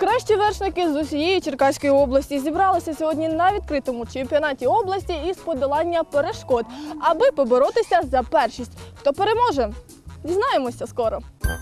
Найкращі вершники з усієї Черкаської області зібралися сьогодні на відкритому чемпіонаті області із подолання перешкод, аби поборотися за першість. Хто переможе? Дізнаємося скоро.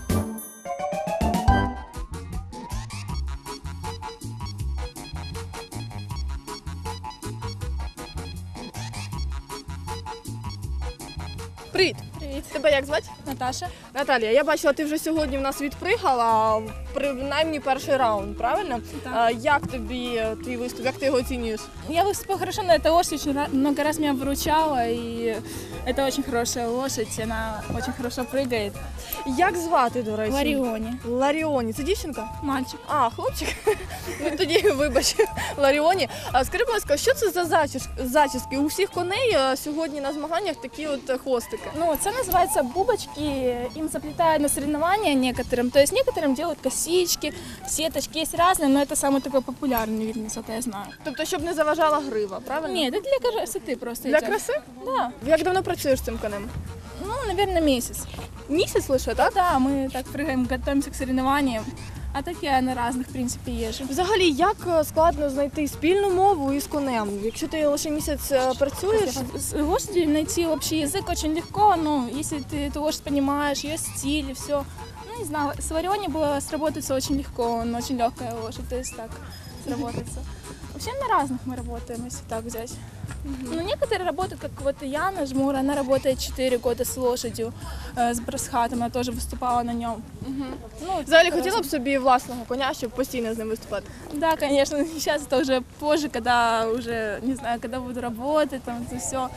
Привіт! Привіт, Тебе як звати? Наташа. Наталія, я бачила, ти вже сьогодні в нас відпригала, принаймні перший раунд, правильно? Так. Як тобі твій виступ, як ти його оцінюєш? Я выступила хорошо, но эта лошадь очень много раз меня выручала, и это очень хорошая лошадь, она очень хорошо прыгает. Як звати, до речі? Лариони. Ларіоні. Це дівчинка? Мальчик. А, хлопчик? Ну тоді вибач, Ларіоні. А скажи, будь ласка, що це за зачіски? У всіх коней сьогодні на змаганнях такі от хвостики. Ну, это называется бубочки, им заплетают на соревнования некоторым, то есть некоторым делают косички, сеточки, есть разные, но это самый такой популярный вид, насколько я знаю. Тобто, щоб не заважала грива, правильно? Нет, это для красоты просто. Для идёт. краси? Да, Як давно працюєш з цим конем? ну, наверное, месяц. Місяць лише, так? Да, мы так прыгаем, готовимся к соревнованиям, а так я на разных, в принципе, езжу. Взагалі, як складно знайти спільну мову із конем? Якщо ти лише місяць працюєш, С лошадью найти общий язык очень легко, ну, если ты эту лошадь понимаешь, ее стиль и все. Ну, не знаю, с Лариони было сработаться очень легко, он очень легкая лошадь, то есть так сработаться. Вообще на разных мы работаем, если так взять. Ну, некоторые работают, как вот Яна Жмур, она работает 4 года с лошадью, с Брасхатом, она тоже выступала на нем. Ну, взагалі по-разному. хотіла б собі власного коня, щоб постійно з ним виступати? Да, конечно, сейчас это уже позже, когда уже, не знаю, когда буду работать, там, это все.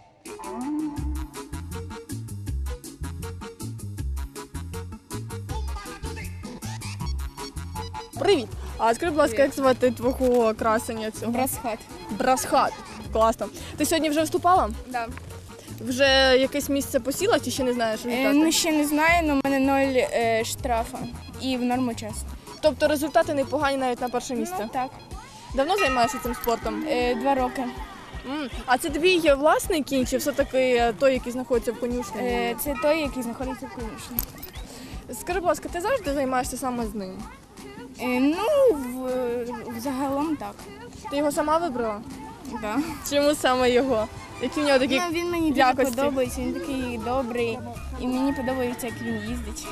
Привіт! А скажи, будь ласка, як звати твого красення цього? Брасхат. Брасхат. Класно. Ти сьогодні вже виступала? Да. Вже якесь місце посіла чи ще не знаєш результати? Ну, ще не знаю, але в мене 0 штрафа і в норму час. Тобто результати непогані навіть на перше місце? Так. Давно займаєшся цим спортом? 2 роки. А це твій власний кінь чи все-таки той, який знаходиться в конюшні? Це той, який знаходиться в конюшні. Скажи, будь ласка, ти завжди займаєшся саме з ним? Ну, взагалом так. Ти його сама вибрала? Да. Чому саме його? Які в нього такі Ну, він мені дуже якості? подобається, він такий добрий, і мені подобається, як він їздить.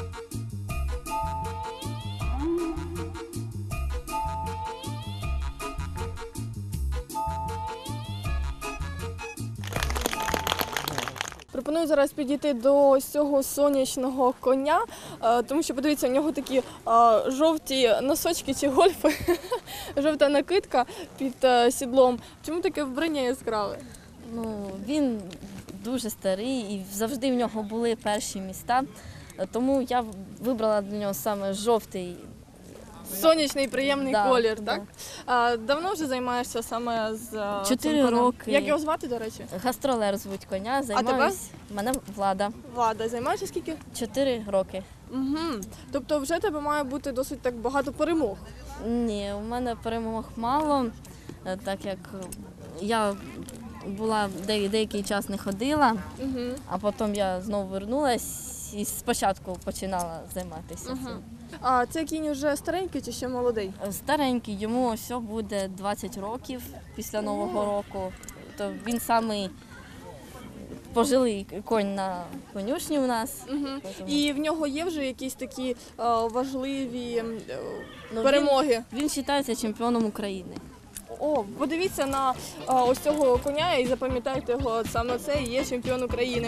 Пропоную зараз підійти до ось цього сонячного коня, тому що, подивіться, у нього такі жовті носочки чи гольфи, жовта накидка під сідлом. Чому таке вбрання яскраве? Ну, він дуже старий і завжди в нього були перші міста, тому я вибрала для нього саме жовтий. Сонячний, приємний Да, колір, да. так? Давно вже займаєшся саме з 4 цим конем? роки. Як його звати, до речі? Гастролер звуть коня, тебе? займаюсь. Мене Влада. Влада. Займаєшся скільки? 4 роки. Угу. Тобто вже тебе має бути досить так багато перемог. Ні, у мене перемог мало, так як я була деякий час не ходила, Угу. а потім я знову вернулась і спочатку починала займатися цим. А цей кінь вже старенький чи ще молодий? Старенький, йому ось буде 20 років після Нового року. То він самий пожилий конь на конюшні у нас. Угу. І в нього є вже якісь такі важливі Ну, перемоги? Він вважається чемпіоном України. О, подивіться на ось цього коня і запам'ятайте його, саме це і є чемпіон України.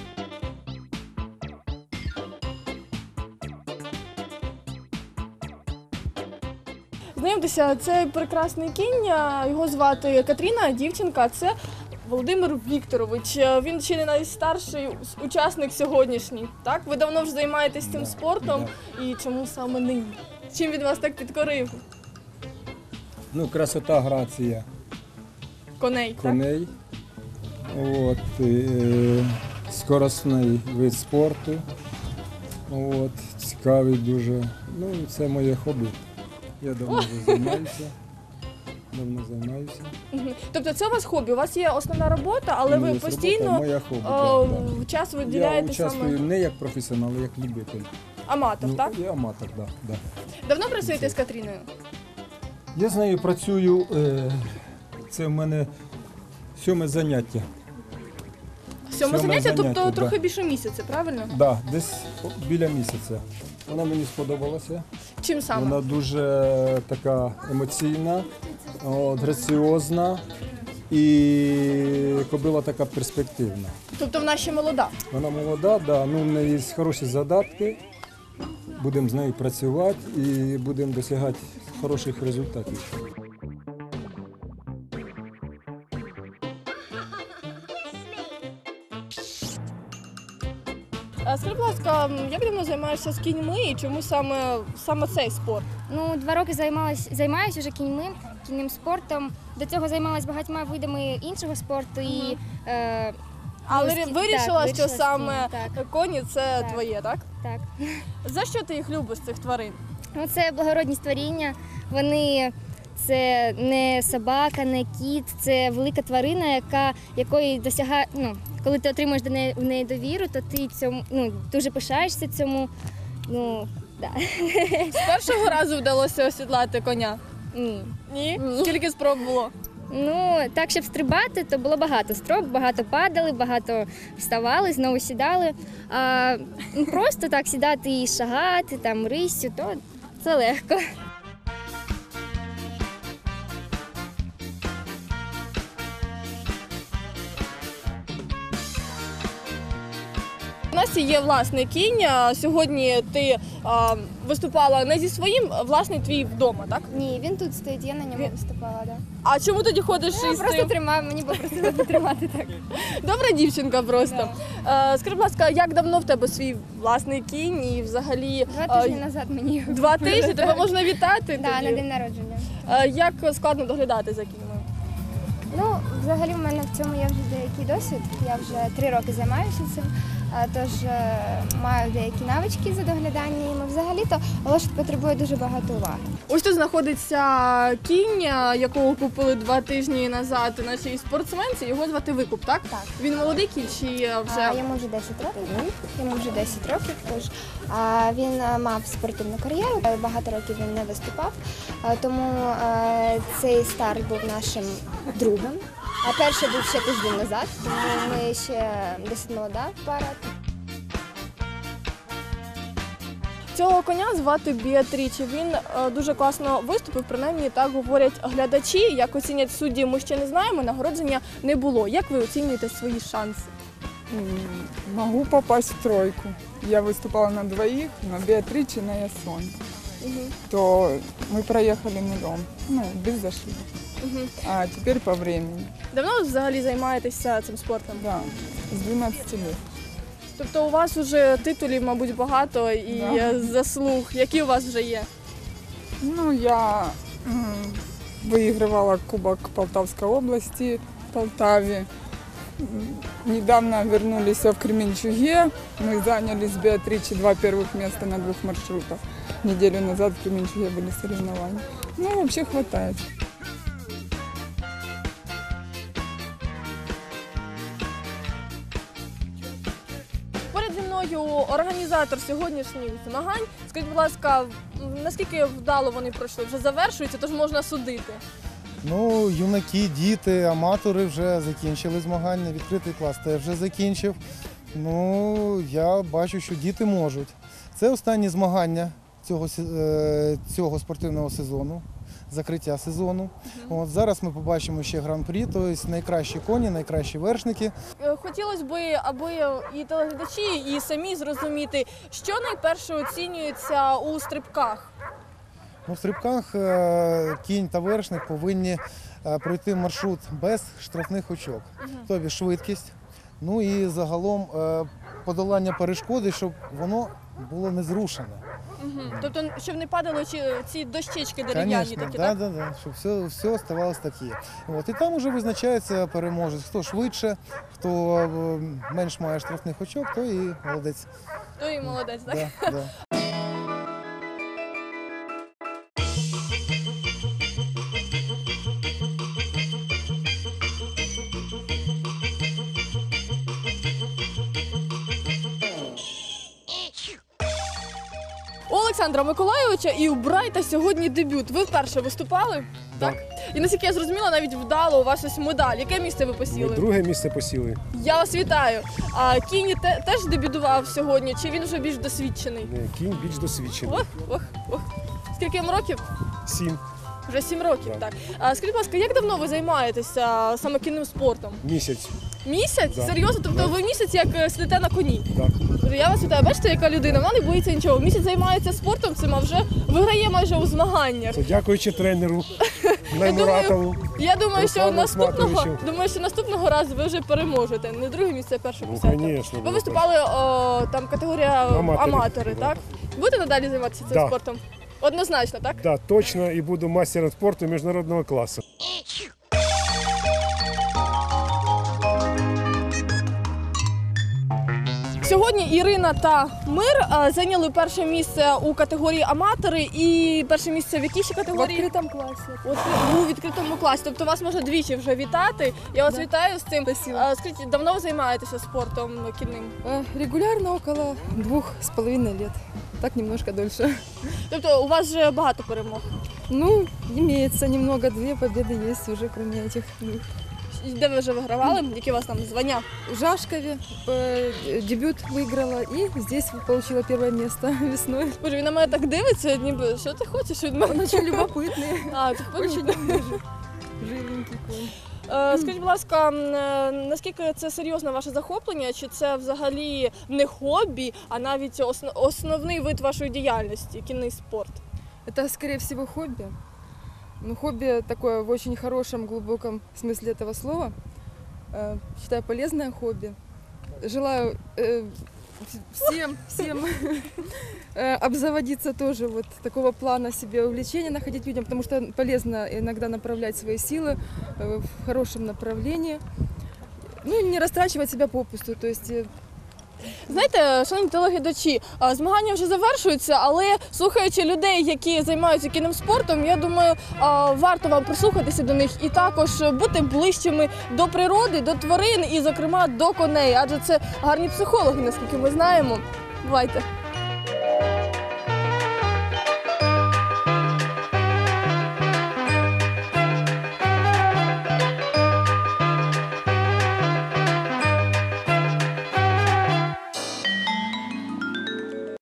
Знайомтеся, це прекрасний кінь, його звати Катріна, дівчинка, це Володимир Вікторович. Він ще не найстарший учасник сьогоднішній. Так? Ви давно вже займаєтесь цим спортом, і чому саме нині? Чим він вас так підкорив? Ну, красота, грація Коней, так? коней. От, скоростний вид спорту. От, цікавий дуже. Ну, це моє хобі. Я давно вже займаюся. Мгм. Тобто це у вас хобі, у вас є основна робота, але ви Моя постійно робота, моя хобі, так. час Я виділяєте участвую саме не як професіонал, а як любитель. аматор, Ну, так? я аматор, так. Да, Давно працюєте з Катріною? Я з нею працюю, це в мене 7 заняття. Сьоме заняття, тобто да. трохи більше місяця, правильно? Да, десь біля місяця. Вона мені сподобалася. Чим саме? Вона дуже така емоційна, граціозна і кобила така перспективна. Тобто вона ще молода. Вона молода, да, ну, в неї є хороші задатки. Будемо з нею працювати і будемо досягати хороших результатів. Скажи, будь ласка, як давно займаєшся з кіньми і чому саме цей спорт? Ну, 2 роки займаюся вже кінним спортом. До цього займалася багатьма видами іншого спорту. І, Але так, вирішила, що вирішила саме так. коні це Так. твоє, так? Так. За що ти їх любиш, цих тварин? Ну, це благородні створіння. Це не собака, не кіт, це велика тварина, якої досягає. Ну, коли ти отримуєш в неї довіру, то ти дуже пишаєшся цьому. Ну, да. З першого разу вдалося осідлати коня? Ні. Ні? Скільки спроб було? Ну, так, щоб стрибати, то було багато спроб, багато падали, багато вставали, знову сідали. А просто так сідати і шагати, там, риссю, то це легко. У нас є власний кінь. Сьогодні ти виступала не зі своїм, власний твій вдома, так? Ні, він тут стоїть, я на ньому виступала, так. А чому тоді ходиш із Просто цим? тримав, мені попросили потримати так. Добра дівчинка просто. Скажи, будь ласка, як давно в тебе свій власний кінь і взагалі 2 тижні назад мені його 2 купили. тижні? Тебе можна вітати? Да, тоді? на день народження. Як складно доглядати за кіньми? Ну, взагалі в мене в цьому є вже деякий досвід. Я вже 3 роки займаюся цим, тож маю деякі навички за доглядання їм. Взагалі-то лошадь потребує дуже багато уваги. Ось тут знаходиться кінь, якого купили 2 тижні назад нашій спортсменці. Його звати Викуп, так? Так. Він молодий кінь чи вже? Йому вже 10 років. Йому вже 10 років, тож він мав спортивну кар'єру, багато років він не виступав, тому цей старт був нашим другом. А перший був ще тиждень назад, тому ми ще досить молода пара. Цього коня звати Біатріче. Він дуже класно виступив, принаймні так говорять глядачі. Як оцінять судді, ми ще не знаємо, нагородження не було. Як ви оцінюєте свої шанси? Могу попасть в 3. Я выступала на 2, на Беатриче, на Ясон. То мы проехали 0, без ошибок. А теперь по времени. Давно ви взагалі займаєтеся цим спортом? Да, с 12 лет. Тобто у вас вже титулів, мабуть, багато і Да. заслуг. Які у вас вже є? Ну, я выигрывала Кубок Полтавской области в Полтаве. Недавно вернулись в Кременчуге. Мы заняли с Беатриче 2 первых места на 2 маршрутах. Неделю назад в Кременчуге были соревнования. Ну, вообще хватает. Поряд зі мною організатор сьогоднішніх змагань. Скажіть, будь ласка, наскільки вдало вони пройшли? Вже завершуються, тож можна судити. Ну, юнаки, діти, аматори вже закінчили змагання, відкритий клас теж вже закінчив. Ну, я бачу, що діти можуть. Це останні змагання цього спортивного сезону, закриття сезону. От, зараз ми побачимо ще гран-прі, тобто найкращі коні, найкращі вершники. Хотілося б, аби і телеглядачі, і самі зрозуміти, що найперше оцінюється у стрибках. Ну, в стрибках кінь та вершник повинні пройти маршрут без штрафних очок, тобто швидкість, ну і загалом подолання перешкоди, щоб воно було не зрушене. Тобто, щоб не падали ці дощечки дерев'яні такі, так? Да, щоб все оставалось таке. От, і там вже визначається переможець, хто швидше, хто менш має штрафних очок, то і молодець. То і молодець, так? Да. У Олександра Миколайовича і у Брайта сьогодні дебют. Ви вперше виступали? Так. І наскільки я зрозуміла, навіть вдало у вас ось медаль. Яке місце ви Ми посіли? друге місце посіли. Я вас вітаю. А Кінь теж дебютував сьогодні, чи він вже більш досвідчений? Кінь більш досвідчений. Ох. Скільки йому років? 7 Вже 7 років, Так. так. А скажіть, будь ласка, як давно ви займаєтеся саме кінним спортом? місяць. Місяць? Да. Серйозно? Тобто ви місяць як сидите на коні? Так. Я вас вітаю, бачите, яка людина, вона не боїться нічого. Місяць займається спортом цим, а вже виграє майже у змаганнях. Це дякуючи тренеру Наймуратову. Я думаю, що Руслану Смаковичу. наступного разу ви вже переможете. Не друге місце, а перше Ну, посяде. звісно. Ви виступали там категорія аматори, Да. так? Будете надалі займатися цим Да. спортом? Однозначно, так? Так, точно, і буду мастером спорту міжнародного класу. Сьогодні Ірина та Мир зайняли перше місце у категорії аматори і перше місце в якій ще категорії? В відкритому класі. От у відкритому класі. Тобто вас можна двічі вже вітати. Я вас вітаю з цим. Спасибо. Скажіть, давно ви займаєтеся спортом кінним? Регулярно около 2,5 лет. Так немножко дольше. Тобто у вас вже багато перемог. Ну, имеется немного, 2 победы есть уже, кроме этих двух. І де ви вже вигравали? Які у вас там звання? В Жашкове дебют выиграла и здесь получила первое место весной. Боже, він на мене так дивиться, ніби що ти хочеш від мене? Он очень любопытный, А, ти хочеш? очень живенький конь. Скажіть, будь ласка, наскільки це серйозне ваше захоплення? Чи це взагалі не хобі, а навіть основний вид вашої діяльності, кінний спорт? Это, скорее всего, хобби. Ну, хобби такое в очень хорошем, глубоком смысле этого слова. Считаю, полезное хобби. Желаю всем обзаводиться тоже вот такого плана себе увлечения, находить людям, потому что полезно иногда направлять свои силы в хорошем направлении. Ну, и не растрачивать себя попусту, то есть Знаєте, шановні телеглядачі, змагання вже завершуються, але слухаючи людей, які займаються кінним спортом, я думаю, варто вам прислухатися до них і також бути ближчими до природи, до тварин і, зокрема, до коней, адже це гарні психологи, наскільки ми знаємо. Бувайте!